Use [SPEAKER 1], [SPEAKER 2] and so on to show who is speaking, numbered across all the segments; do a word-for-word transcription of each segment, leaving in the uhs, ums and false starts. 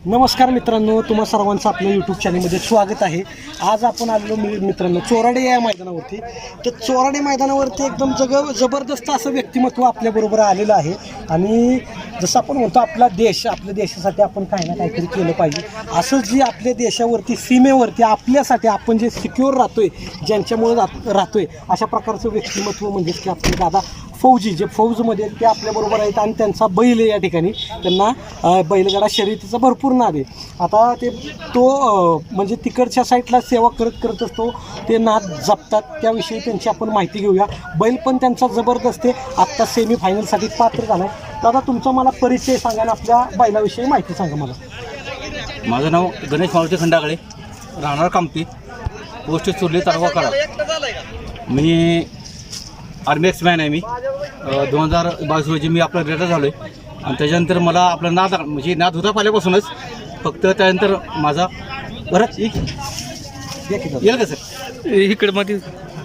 [SPEAKER 1] नमस्कार मित्रांनो, तुम्हा सर्वांचं आपल्या यूट्यूब चॅनलमध्ये स्वागत आहे। आज आपण आलेलो मित्रांनो चोराडे या मैदानावरती। तर चोराडे मैदानावरती एकदम जग जबरदस्त असं व्यक्तिमत्व आपल्याबरोबर आलेलं आहे आणि जसं आपण म्हणतो आपला देश, आपल्या देशासाठी आपण काही ना काहीतरी केलं पाहिजे, असं जी आपल्या देशावरती सीमेवरती आपल्यासाठी आपण जे सिक्युअर राहतोय, ज्यांच्यामुळे राहतोय, अशा प्रकारचं व्यक्तिमत्व म्हणजेच की आपले दादा फौजी, जे फौजमध्ये ते आपल्याबरोबर आहेत आणि त्यांचा बैल आहे। या ठिकाणी त्यांना बैलगाडा शर्यतीचा भरपूर नाद आहे। आता ते तो म्हणजे तिकडच्या साईडला सेवा करत करत असतो, ते नाद जपतात, त्याविषयी त्यांची आपण माहिती घेऊया। बैल पण त्यांचा जबरदस्त आहे, आत्ता सेमीफायनलसाठी पात्र झाला आहे। दादा तुमचा मला परिचय सांगा आणि आपल्या बैलाविषयी माहिती सांगा मला।
[SPEAKER 2] माझं नाव गणेश मारुती खंडागळे, राहणार कामती, पोस्ट चुरली तालुका कराड। मी आर्मी एक्समॅन आहे। मी दोन हजार बावीस रोजी मी आपलं रिटायर झालो आहे आणि त्याच्यानंतर मला आपलं नाद म्हणजे नाद होता पहिल्यापासूनच, फक्त त्यानंतर माझा बरंच येईल का सर
[SPEAKER 3] इकडे मध्ये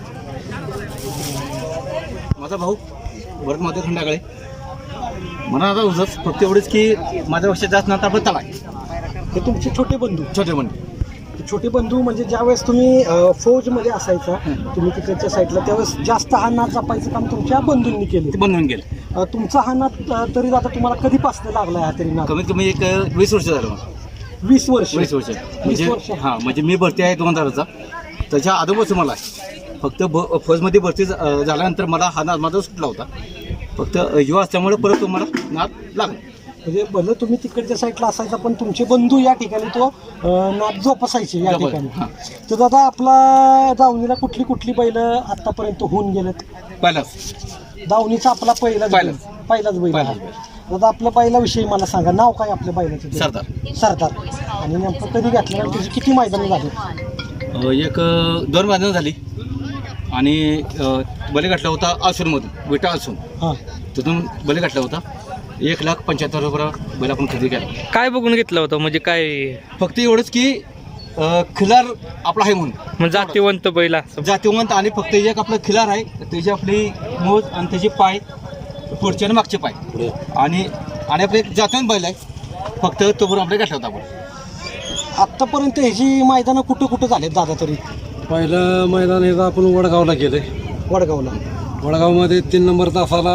[SPEAKER 2] माझा भाऊ भरत मारुती खंडागळे। मला आता उजच फक्त एवढंच की माझ्या वर्षात जास्त नाद आपलं तला आहे।
[SPEAKER 1] हे तुमचे छोटे बंधू
[SPEAKER 2] छोटे बंधू
[SPEAKER 1] छोटे बंधू म्हणजे ज्यावेळेस तुम्ही फौजमध्ये असायचा, तुम्ही तिकडच्या साईडला, त्यावेळेस जास्त हा नाद जपायचं काम तुमच्या बंधूंनी केले,
[SPEAKER 2] ते बनवून गेले।
[SPEAKER 1] तुमचा हा नाद तरी आता तुम्हाला कधीपासून लागला हा तरी नाद?
[SPEAKER 2] कमीत कमी एक वीस वर्ष झालं मला।
[SPEAKER 1] वीस वर्ष
[SPEAKER 2] वीस वर्ष म्हणजे हां, म्हणजे मी भरती आहे दोन हजारचा, त्याच्या अगोदरपासून मला फक्त ब फौजमध्ये भरती झाल्यानंतर मला हा नाद माझा सुटला होता, फक्त युवा असल्यामुळे परत तुम्हाला नाद लागला।
[SPEAKER 1] म्हणजे भलं तुम्ही तिकडच्या साईडला असायचा पण तुमचे बंधू या ठिकाणी तो नाद जोपासायचे या ठिकाणी। तर दादा आपला दावणीला कुठली कुठली बैल आतापर्यंत होऊन गेलेत?
[SPEAKER 2] पहिलाच
[SPEAKER 1] दावणीचा आपला पहिलाच बैल,
[SPEAKER 2] पहिलाच.
[SPEAKER 1] पहिलाच बैल आहे। दादा आपल्या बैलाविषयी मला सांगा, नाव काय आपल्या बैलाचं?
[SPEAKER 2] सरदार
[SPEAKER 1] सरदार। आणि नेमकं कधी घातलं आणि त्याची किती मैदानं झाली?
[SPEAKER 2] एक दोन मैदानं झाली आणि बली घातला होता आसूरमधून, विटा आसून,
[SPEAKER 1] हां,
[SPEAKER 2] तिथून बली घातला होता। एक लाख पंच्याहत्तर रुपये बैल आपण खरेदी केला।
[SPEAKER 3] काय बघून घेतलं होतं म्हणजे काय?
[SPEAKER 2] फक्त एवढंच की खिलार आपला आहे म्हणून,
[SPEAKER 3] म्हणजे जातीवंत बैल असं.
[SPEAKER 2] जातीवंत, आणि फक्त एक आपलं खिलार आहे, त्याची आपली मोज आणि त्याचे पाय पुढचे आणि मागचे पाय, आणि आणि आपलं एक जातीवंत बैल आहे, फक्त तो बरोबर आपल्या घातला होता आपण।
[SPEAKER 1] आत्तापर्यंत ह्याची मैदानं कुठं कुठं झालेत दादा तरी?
[SPEAKER 4] पहिलं मैदान हे आपण वडगावला केलं आहे।
[SPEAKER 1] वडगावला
[SPEAKER 4] वडगावमध्ये तीन नंबर तासाला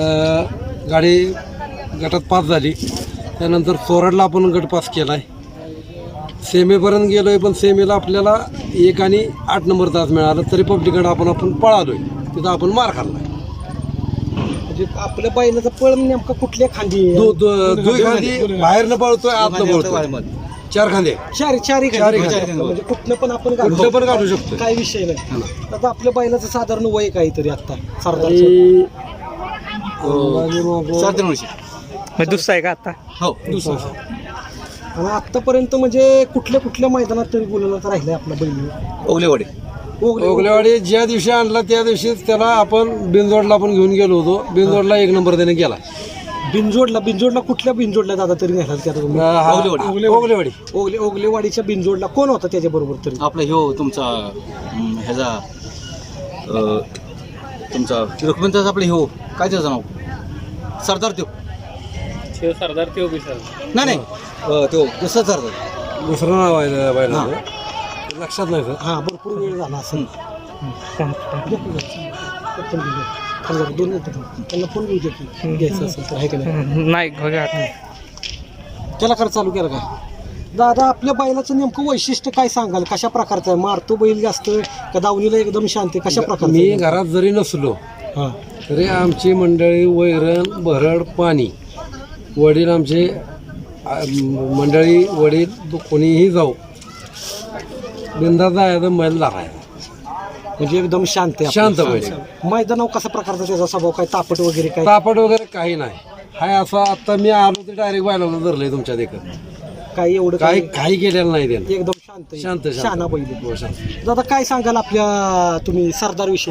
[SPEAKER 4] गाडी गटात पास झाली, त्यानंतर चोराडला आपण गट पास केला आहे, सेमीपर्यंत गेलो आहे, पण सेमीला आपल्याला एक आणि आठ नंबर तास मिळाला, तरी पब्लिककडे आपण आपण पळालो आहे, तिथं आपण मार खाल्ला।
[SPEAKER 1] म्हणजे आपल्या बैलाचा पळ नेमका कुठल्या खांदी?
[SPEAKER 4] दो दोन खांदी बाहेरनं पळतोय, आतनं पळतोय, चार खांदे,
[SPEAKER 1] चारी चारी
[SPEAKER 4] चारी
[SPEAKER 1] खांदी,
[SPEAKER 4] खांदी.
[SPEAKER 1] म्हणजे कुठलं पण आपण
[SPEAKER 4] कुठलं पण काढू शकतो,
[SPEAKER 1] काय विषय नाही। आता आपल्या बैलाचं साधारण वय काहीतरी आता सरदार
[SPEAKER 4] आणि
[SPEAKER 2] सात दोन वर्षी
[SPEAKER 3] म्हणजे दुसरा आहे का आता?
[SPEAKER 2] हो।
[SPEAKER 1] दुसरा आणि आतापर्यंत म्हणजे कुठल्या कुठल्या मैदानात तरी बोलवलं तर राहिलंय आपला बैल?
[SPEAKER 2] ओगलेवाडी
[SPEAKER 4] ओगलेवाडी ज्या दिवशी आणला त्या दिवशीच त्याला आपण बिनजोडला आपण घेऊन गेलो होतो, बिनजोडला एक नंबर त्याने गेला।
[SPEAKER 1] बिनजोडला बिनजोडला कुठल्या बिनजोडला दादा तरी घालाल की आता तुम्ही?
[SPEAKER 2] ओगलेवाडी
[SPEAKER 4] ओगलेवाडी
[SPEAKER 1] ओगले ओगलेवाडीच्या बिनजोडला कोण होता त्याच्याबरोबर तरी?
[SPEAKER 2] आपला ह्यो तुमचा अं, ह्याचा अं, तुमचा रुक्मिणीचा आपलं ह्यो काय त्याचं नाव? सरदार त्यो
[SPEAKER 3] सरदार ते
[SPEAKER 2] नाही नाही अं, त्यो दुसरा सरदार,
[SPEAKER 4] दुसरं नाव आहे बैलाचं, लक्षात नाही सर।
[SPEAKER 1] हां, भरपूर वेळ झाला असं दोन मिनिटं त्यांना फोन घेऊ दे की घ्यायचं असेल तर, आहे का नाही?
[SPEAKER 3] नाही बघा.
[SPEAKER 1] त्याला कर चालू केलं का दादा? आपल्या बैलाचं नेमकं वैशिष्ट्य काय सांगाल? कशा प्रकारचं आहे? मारतो बैल जास्त का दावणीला एकदम शांत आहे? कशा प्रकारचं?
[SPEAKER 4] मी घरात जरी नसलो
[SPEAKER 1] हां,
[SPEAKER 4] तरी आमची मंडळी वैरण भरड पाणी, वडील आमचे आ, मंडळी वडील कोणीही जाऊ, बिंदास जायचं बैल दाखायचा,
[SPEAKER 1] म्हणजे एकदम शांत आहे,
[SPEAKER 4] शांत बैल।
[SPEAKER 1] मैदानावर कसा प्रकारचा त्याचा स्वभाव? काय तापट वगैरे काय?
[SPEAKER 4] तापट वगैरे काही नाही, हाय असं आता मी आलो ते डायरेक्ट बैलाला धरलंय तुमच्या देखत,
[SPEAKER 1] काही एवढं
[SPEAKER 4] काही काही केलेलं नाही त्यानं,
[SPEAKER 1] एकदम शांत आहे.
[SPEAKER 4] शांत शांत.
[SPEAKER 1] शहाणा बैल आहे.
[SPEAKER 4] हो, शांत.
[SPEAKER 1] दादा काय सांगाल आपल्या तुम्ही सरदार विषयी?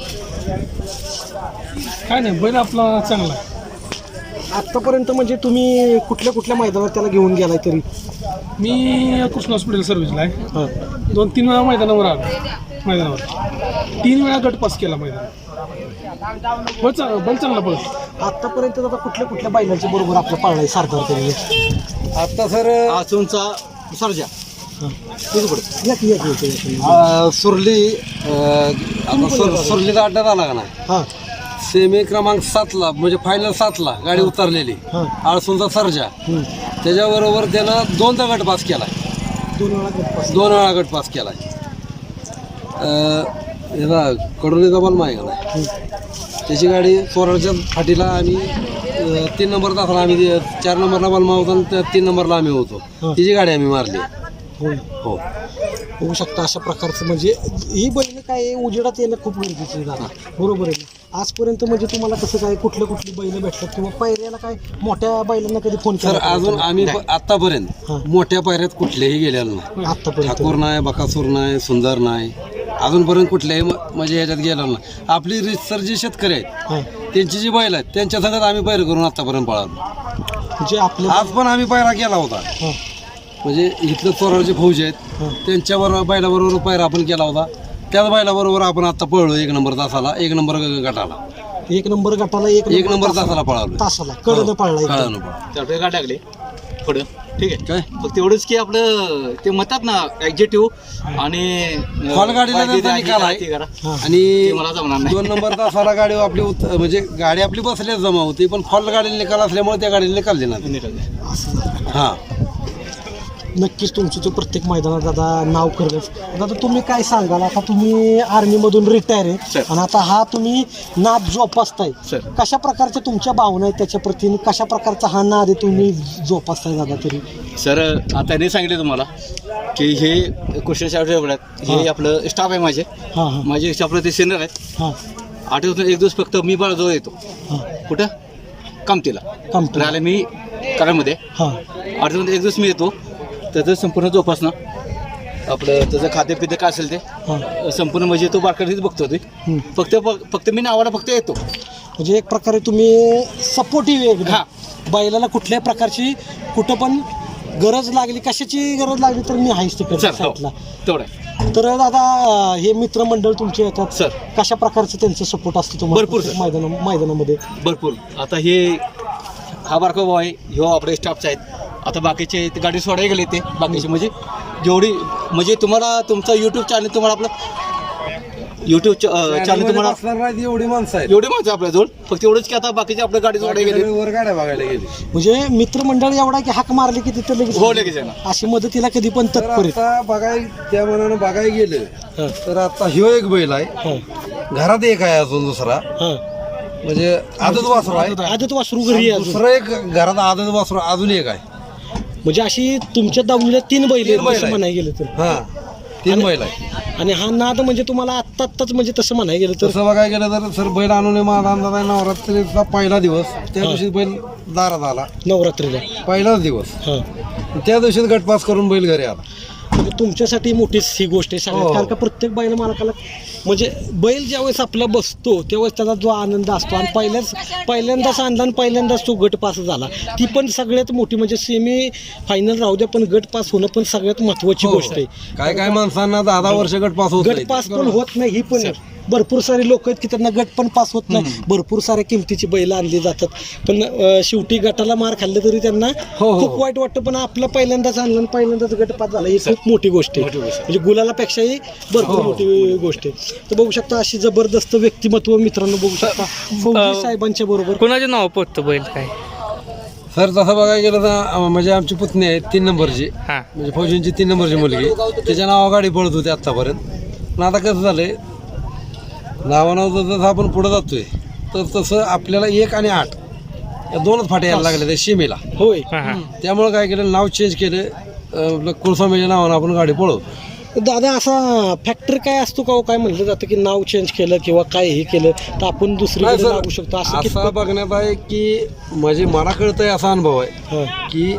[SPEAKER 5] काय नाही, बैल आपला चांगला आहे।
[SPEAKER 1] आत्तापर्यंत म्हणजे तुम्ही कुठल्या कुठल्या मैदानात त्याला घेऊन गेलाय तरी?
[SPEAKER 5] मी कृष्ण हॉस्पिटल सर्व्हिसला आहे,
[SPEAKER 1] हां,
[SPEAKER 5] दोन तीन वेळा मैदानावर आलो, मैदानावर तीन वेळा गट पास केला मैदान। बैल चांगला बैल चांगला पळतो.
[SPEAKER 1] आतापर्यंत आता कुठल्या कुठल्या बैलांच्या बरोबर आपलं पाळलाय सरदार तरी?
[SPEAKER 4] आता सर
[SPEAKER 2] आसूनचा सर्जा
[SPEAKER 1] या की या की, या की.
[SPEAKER 4] अ, सुरली अ, आता सुर सुरलीचा अड्डा झाला का नाही,
[SPEAKER 1] हां
[SPEAKER 4] सेमी क्रमांक सातला म्हणजे फायनल सातला गाडी उतरलेली
[SPEAKER 1] हां
[SPEAKER 4] आळसूंचा सर्जा.
[SPEAKER 1] हम्म.
[SPEAKER 4] त्याच्याबरोबर त्यानं दोनदा गट पास केलाय,
[SPEAKER 1] दोन वेळा गटपास.
[SPEAKER 4] दोन वेळा गट पास केलाय. याला कडोलीचा बलमा आहे का नाही, त्याची गाडी चोराडच्या फाटीला आम्ही अ, तीन नंबर तासाला आम्ही चार नंबरला बलमा होता आणि त्या तीन नंबरला आम्ही होतो. तिची गाडी आम्ही मारली.
[SPEAKER 1] होय.
[SPEAKER 4] हो
[SPEAKER 1] बघू शकता अशा प्रकारचं म्हणजे ही बैल काय आहे, उजेडात येणं खूप गरजेचं आहे दादा. बरोबर आहे ना? आजपर्यंत म्हणजे तुम्हाला कसं काय कुठले कुठली बैल भेटतात किंवा पायऱ्याला काय मोठ्या बैलांना कधी फोन
[SPEAKER 4] सर
[SPEAKER 1] केला?
[SPEAKER 4] अजून आम्ही प- आतापर्यंत
[SPEAKER 1] हां.
[SPEAKER 4] मोठ्या पायऱ्यात कुठलेही गेलेलो नाही.
[SPEAKER 1] आतापर्यंत
[SPEAKER 4] ठाकूर नाही, बकासूर नाही, सुंदर नाही, अजूनपर्यंत कुठल्याही म- म्हणजे ह्याच्यात गेलेलो नाही. आपली रितसर जी शेतकरी आहेत
[SPEAKER 1] हां
[SPEAKER 4] त्यांची जी बैल आहेत त्यांच्या संगत आम्ही पैर करून आतापर्यंत पळालो.
[SPEAKER 1] जे आपल्या
[SPEAKER 4] आज पण आम्ही पायरा केला होता,
[SPEAKER 1] हां
[SPEAKER 4] म्हणजे इथलं चोराडचे फौज आहेत
[SPEAKER 1] हां
[SPEAKER 4] त्यांच्याबरोबर बैलाबरोबर पायरा आपण केला होता. त्याच बैलाबरोबर आपण आता पळलो एक नंबर तासाला, एक नंबर गटाला,
[SPEAKER 1] एक नंबर गटाला एक
[SPEAKER 4] एक नंबर तासाला पळालो.
[SPEAKER 1] तासाला कडनं पळला एकदम.
[SPEAKER 4] कळलं पळा.
[SPEAKER 2] त्याकडे गाठ टाकले पुढं ठीक आहे.
[SPEAKER 4] काय
[SPEAKER 2] फक्त एवढंच की आपलं ते म्हणतात ना ऍक्झेटिव्ह आणि
[SPEAKER 4] फॉल गाडीला
[SPEAKER 2] पाहिजे
[SPEAKER 4] त्यांचा
[SPEAKER 2] ते
[SPEAKER 4] निकाल
[SPEAKER 2] आहे,
[SPEAKER 4] आहे.
[SPEAKER 2] ते करा.
[SPEAKER 1] हां
[SPEAKER 4] आणि
[SPEAKER 2] ते मला जमणार नाही.
[SPEAKER 4] दोन नंबर तासाला गाडी आपली उत- म्हणजे गाडी आपली बसल्याच जमा होती, पण फॉल गाडीला निकाल असल्यामुळे त्या गाडीला निकाल देणार.
[SPEAKER 2] निकाल.
[SPEAKER 1] असं झालं.
[SPEAKER 4] हा
[SPEAKER 1] नक्कीच तुमचं तो प्रत्येक मैदानात दादा नाव करलंच. दादा तुम्ही काय सांगाल, आता तुम्ही आर्मीमधून रिटायर आहे
[SPEAKER 2] सर.
[SPEAKER 1] आणि आता हा तुम्ही नाद जोपासताय,
[SPEAKER 2] सर.
[SPEAKER 1] कशा प्रकारच्या तुमच्या भावना आहेत त्याच्या प्रती, कशा प्रकारचा हा नाद आहे तुम्ही जोपासताय दादा तरी?
[SPEAKER 2] सर आता त्यांनी सांगितलं तुम्हाला की हे कृष्ण शाळेत हे
[SPEAKER 1] हां.
[SPEAKER 2] आपलं स्टाफ आहे माझे
[SPEAKER 1] हां हां
[SPEAKER 2] माझे आपलं ते सेनर आहेत.
[SPEAKER 1] हां
[SPEAKER 2] आठवड्यातून एक दिवस फक्त मी बाळाजवळ येतो.
[SPEAKER 1] हां
[SPEAKER 2] कुठं कामतीला
[SPEAKER 1] कमतो
[SPEAKER 2] राहिले मी करामध्ये.
[SPEAKER 1] हां
[SPEAKER 2] आठवड्यातून एक दिवस मी येतो, त्याचं संपूर्ण जोपासना आपलं त्याचं खाद्यपिद्य काय असेल ते
[SPEAKER 1] हां
[SPEAKER 2] संपूर्ण म्हणजे तो बारकाईत बघतो ते.
[SPEAKER 1] हम्म.
[SPEAKER 2] फक्त फक्त मी नावाला फक्त येतो.
[SPEAKER 1] म्हणजे एक प्रकारे तुम्ही सपोर्टिव्ह एकदम
[SPEAKER 2] हां.
[SPEAKER 1] बैलाला कुठल्याही प्रकारची कुठं पण गरज लागली, कशाची गरज लागली तर मी आहेच तिकडे
[SPEAKER 2] सर हो
[SPEAKER 1] साईडला.
[SPEAKER 2] तेवढं आहे.
[SPEAKER 1] तर दादा हे मित्रमंडळ तुमचे येतात
[SPEAKER 2] सर.
[SPEAKER 1] कशा प्रकारचं त्यांचं सपोर्ट असतं तुम्हाला
[SPEAKER 2] भरपूर,
[SPEAKER 1] प्रत्येक मैदाना मैदानामध्ये?
[SPEAKER 2] भरपूर. आता हे हा बारका भाऊ आहे, ह्यो आपले स्टाफचे आहेत. आता बाकीचे ते गाडी सोडायला गेले ते बाकीचे म्हणजे जेवढी म्हणजे तुम्हाला तुमचं यूट्यूब चॅनल तुम्हाला आपलं यूट्यूब चॅनल तुम्हाला
[SPEAKER 4] असणार नाही एवढी माणसं आहेत.
[SPEAKER 2] एवढे माणसं आपल्याजवळ फक्त एवढंच की आता बाकीचे आपल्या गाडी सोडायला गेले.
[SPEAKER 4] वर गाड्या बघायला गेली.
[SPEAKER 1] म्हणजे मित्रमंडळ एवढा की हाक मारली की तिथं लगेच
[SPEAKER 2] हो लगेच येणार.
[SPEAKER 1] अशी मदतीला कधी पण
[SPEAKER 4] तर
[SPEAKER 1] तत्पर आहेत.
[SPEAKER 4] आता बघाय त्या मनानं बघायला गेलं
[SPEAKER 1] हां
[SPEAKER 4] तर आता ह्यो एक बैल आहे,
[SPEAKER 1] हां
[SPEAKER 4] घरात एक आहे अजून दुसरा,
[SPEAKER 1] हां
[SPEAKER 4] म्हणजे आदत वासरू आहे.
[SPEAKER 1] आदत वासरू घरी आहे अजून.
[SPEAKER 4] दुसरं एक घरात आदत वासरू अजून एक आहे.
[SPEAKER 1] म्हणजे अशी तुमच्या दावणीला तीन बैल
[SPEAKER 4] तीन बैल
[SPEAKER 1] आहेत असं
[SPEAKER 4] आहेत.
[SPEAKER 1] म्हणायला गेलं तर.
[SPEAKER 4] हा तीन बैल आहे.
[SPEAKER 1] आणि हा नाद म्हणजे तुम्हाला आत्ता आत्ताच म्हणजे तसं म्हणायला गेलं तर
[SPEAKER 4] तसं बघायला गेलं तर सर बैल आणून माझा अंदाज आहे नवरात्रीचा पहिला दिवस, त्या
[SPEAKER 1] हा.
[SPEAKER 4] दिवशी बैल दारात आला,
[SPEAKER 1] नवरात्रीला.
[SPEAKER 4] पहिलाच दिवस,
[SPEAKER 1] हां
[SPEAKER 4] त्या दिवशीच गटपास करून बैल घरी आला.
[SPEAKER 1] म्हणजे तुमच्यासाठी मोठीच ही गोष्ट आहे सगळ्यात.
[SPEAKER 4] हो.
[SPEAKER 1] कारण का प्रत्येक बैल मालकाला म्हणजे बैल ज्यावेळेस आपला बसतो त्यावेळेस त्याचा जो आनंद असतो आणि पहिल्याच पहिल्यांदाच आणला आणि पहिल्यांदाच तो गट पास झाला, ती पण सगळ्यात मोठी म्हणजे सेमी फायनल राहू द्या पण गट पास होणं पण सगळ्यात महत्त्वाची
[SPEAKER 4] हो.
[SPEAKER 1] गोष्ट आहे.
[SPEAKER 4] काय काय माणसांना दहा दहा वर्ष गटपास होत
[SPEAKER 1] गट
[SPEAKER 4] नाहीत.
[SPEAKER 1] पास पण होत नाही ही पण भरपूर सारे लोक आहेत की त्यांना गट पण पास होत नाही. भरपूर साऱ्या किमतीची बैल आणली जातात पण अं, शेवटी गटाला मार खाल्ले तरी त्यांना
[SPEAKER 4] हो, हो.
[SPEAKER 1] खूप वाईट वाटतं. पण आपलं पहिल्यांदाच आणलं आणि पहिल्यांदाच गट पास झाला ही खूप मोठी गोष्ट आहे. म्हणजे गुलालापेक्षाही भरपूर मोठी गोष्ट आहे. तर बघू शकता अशी जबरदस्त व्यक्तिमत्व मित्रांनो बघू शकता फौजी साहेबांच्या बरोबर.
[SPEAKER 3] कोणाच्या नाव पोचतं बैल काय?
[SPEAKER 4] सर तसं बघायला गेलं तर अं, म्हणजे आमची पुतणी आहे तीन नंबरची,
[SPEAKER 3] हां
[SPEAKER 4] म्हणजे फौजींची तीन नंबरची मुलगी, त्याच्या नावा गाडी पळत होती आत्तापर्यंत. पण आता कसं झालंय नावानाव जसं आपण पुढं जातोय तर तसं आपल्याला एक आणि आठ या दोनच फाट्या यायला लागल्या त्या सीमेला.
[SPEAKER 1] होय
[SPEAKER 3] हां हां
[SPEAKER 4] त्यामुळे काय केलं नाव चेंज केलं, अं, आपलं कुलस्वामीच्या नावानं आपण गाडी पळवतो.
[SPEAKER 1] दादा असा फॅक्टर काय असतो का हो? काय म्हणलं जातं की नाव चेंज केलं किंवा काय हे केलं तर आपण
[SPEAKER 4] नाही
[SPEAKER 1] दुसरीकडे
[SPEAKER 4] सर,
[SPEAKER 1] लागू शकतो असं
[SPEAKER 4] असं
[SPEAKER 1] कितपत?
[SPEAKER 4] बघण्यात आहे की म्हणजे मला कळतंय असा अनुभव आहे
[SPEAKER 1] हां.
[SPEAKER 4] की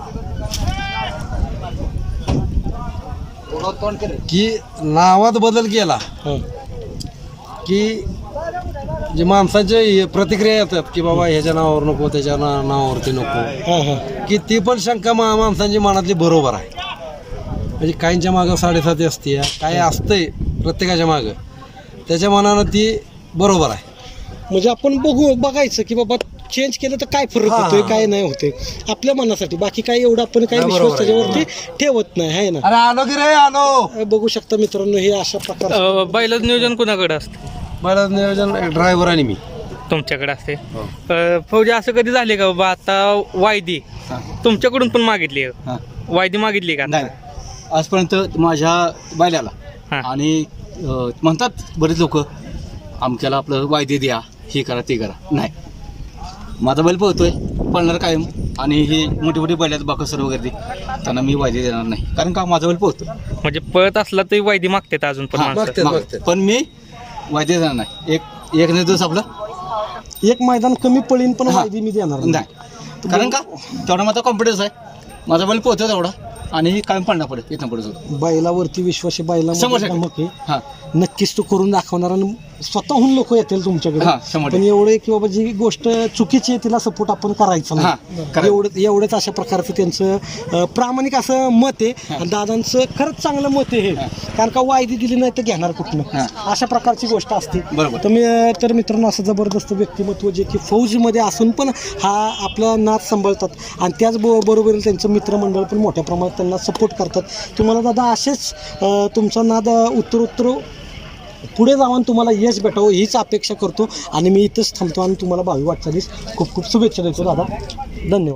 [SPEAKER 4] की नावात बदल केला
[SPEAKER 1] हां.
[SPEAKER 4] की जे माणसाचे प्रतिक्रिया येतात की बाबा ह्याच्या नावावर नको त्याच्या ना नावावरती नको,
[SPEAKER 1] हां हां
[SPEAKER 4] की ती पण शंका मा माणसांची मनातली बरोबर आहे. म्हणजे काहींच्या मागं साडेसाती असते, काही असतंय प्रत्येकाच्या मागं, त्याच्या मनानं ती बरोबर आहे.
[SPEAKER 1] म्हणजे आपण बघू बघायचं की बाबा चेंज केलं तर काय फरक
[SPEAKER 4] हा.
[SPEAKER 1] होतोय काय नाही होतोय आपल्या मनासाठी बाकी काय एवढं आपण काही
[SPEAKER 4] हा,
[SPEAKER 1] विश्वास
[SPEAKER 4] बरोबर आहे.
[SPEAKER 1] त्याच्यावरती ठेवत नाही आहे ना
[SPEAKER 4] अरे आलो की रे आलो
[SPEAKER 1] बघू शकता मित्रांनो हे अशा प्रकार
[SPEAKER 3] अं, बैलाचं नियोजन कुणाकडे असतं
[SPEAKER 4] मला नियोजन ड्रायव्हर आणि मी
[SPEAKER 3] तुमच्याकडे असते अं, फौजी असं कधी झाले का बाबा आता वायदी
[SPEAKER 2] हां
[SPEAKER 3] तुमच्याकडून पण मागितली आहे?
[SPEAKER 2] हां
[SPEAKER 3] वायदी मागितली का
[SPEAKER 2] नाही आजपर्यंत माझ्या बैलाला
[SPEAKER 3] हां.
[SPEAKER 2] आणि अं, म्हणतात बरेच लोक आमच्याला आपलं वायदे द्या हे करा ते करा नाही माझा बैल पळतोय पळणार कायम आणि हे मोठी मोठी बैल आहेत बाकसर वगैरे ते, त्यांना मी वायदे देणार नाही कारण का माझा बैल पळतो
[SPEAKER 3] म्हणजे पळत असला तरी वायदी मागतात अजून पण
[SPEAKER 2] हां,
[SPEAKER 3] माणसं
[SPEAKER 4] मागतात,
[SPEAKER 2] माग-
[SPEAKER 4] मागतात.
[SPEAKER 2] पण मी वायदे देणार नाही एक एक दिवस आपलं
[SPEAKER 1] एक मैदान कमी पळीन पण
[SPEAKER 2] हा.
[SPEAKER 1] वायदी मी देणार नाही.
[SPEAKER 2] नाही कारण का तेवढा माझा कॉन्फिडन्स आहे माझा बैल पोहतो तेवढा आणि कायम पडणार पडेल इथं पुढे सुद्धा
[SPEAKER 1] बैलावरती विश्वास आहे
[SPEAKER 2] शंभर
[SPEAKER 1] बैला
[SPEAKER 2] टक्के. हां
[SPEAKER 1] नक्कीच तो करून दाखवणार आणि स्वतःहून लोक येतील तुमच्याकडे
[SPEAKER 2] हा, शंभर
[SPEAKER 1] पण
[SPEAKER 2] टक्के.
[SPEAKER 1] एवढे की बाबा जी गोष्ट चुकीची आहे तिला सपोर्ट आपण करायचा
[SPEAKER 2] हा,
[SPEAKER 1] नाही
[SPEAKER 2] करायचं.
[SPEAKER 1] एवढं एवढंच अशा प्रकारचं त्यांचं अं, प्रामाणिक असं मत आहे आणि दादांचं खरंच चांगलं मत आहे हे कारण का वायदी दिली नाही तर घेणार कुठनं
[SPEAKER 2] हा.
[SPEAKER 1] अशा प्रकारची गोष्ट असते
[SPEAKER 2] बरोबर.
[SPEAKER 1] तर मी तर मित्रांनो असं जबरदस्त व्यक्तिमत्व जे की फौजमध्ये असून पण हा आपला नाच सांभाळतात आणि त्याचबरोबर त्यांचं मित्रमंडळ पण मोठ्या प्रमाणात त्यांना सपोर्ट करतात तुम्हाला दादा असेच अं, तुमचा नाद उत्तरोत्तर पुढे जाऊन तुम्हाला यश भेटावं हीच अपेक्षा करतो आणि मी इथंच थांबतो आणि तुम्हाला भावी वाटचालीस खूप खूप शुभेच्छा देतो दादा धन्यवाद